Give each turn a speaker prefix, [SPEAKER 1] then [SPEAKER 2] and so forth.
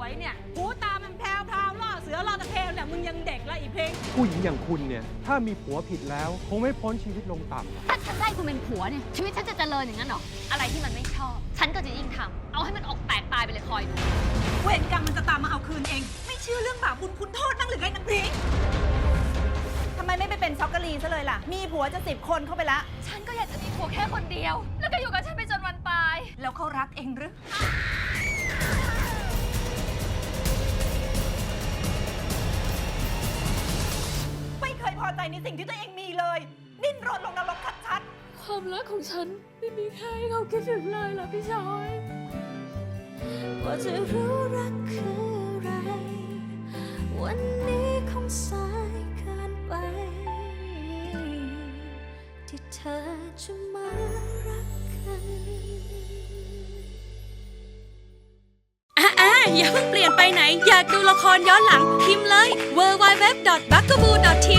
[SPEAKER 1] วยเนี่ยหูตามันแพรวล่อเสือล่อตะเพลเนี่ยมึงยังเด็กละอีเพลง
[SPEAKER 2] ผู้หญิงอย่างคุณเนี่ยถ้ามีผัวผิดแล้วคงไม่พ้นชีวิตลงต่ำ
[SPEAKER 3] ถ้าฉันได้คุณเป็นผัวเนี่ยชีวิตฉันจะเจริญอย่างนั้นเหรออะไรที่มันไม่ชอบฉันก็จะยิ่งทำเอาให้มันออกแตกตายไปเลยคอยดู
[SPEAKER 1] เวรกรรมมันจะตามมาเอาคืนเองไม่เชื่อเรื่องบาปบุญคุณโทษบ้างหรือไงนางพริกทำไมไม่ไปเป็นช็อกโกแลตซะเลยล่ะมีผัวจะ10 คนเข้าไปละ
[SPEAKER 3] ฉันก็อยากจะมีผัวแค่คนเดียวแล้วก็อยู่กับฉันไปจนวันตาย
[SPEAKER 1] แล้วเขารักเองหรือไม่เคยพอใจในสิ่งที่ตัวเองมีเลยดิ้นรนลงนรกชัดๆ
[SPEAKER 3] ความรักของฉันไม่มีใครเขาคิดถึงเลยล่ะพี่ชอยว่าจะรู้รักคืออะไรวันนี้คงสายเกินไปที่เธอจะมารักกัน
[SPEAKER 4] อย่าเพิ่งเปลี่ยนไปไหนอยากดูละครย้อนหลังพิมพ์เลย www.bugaboo.tv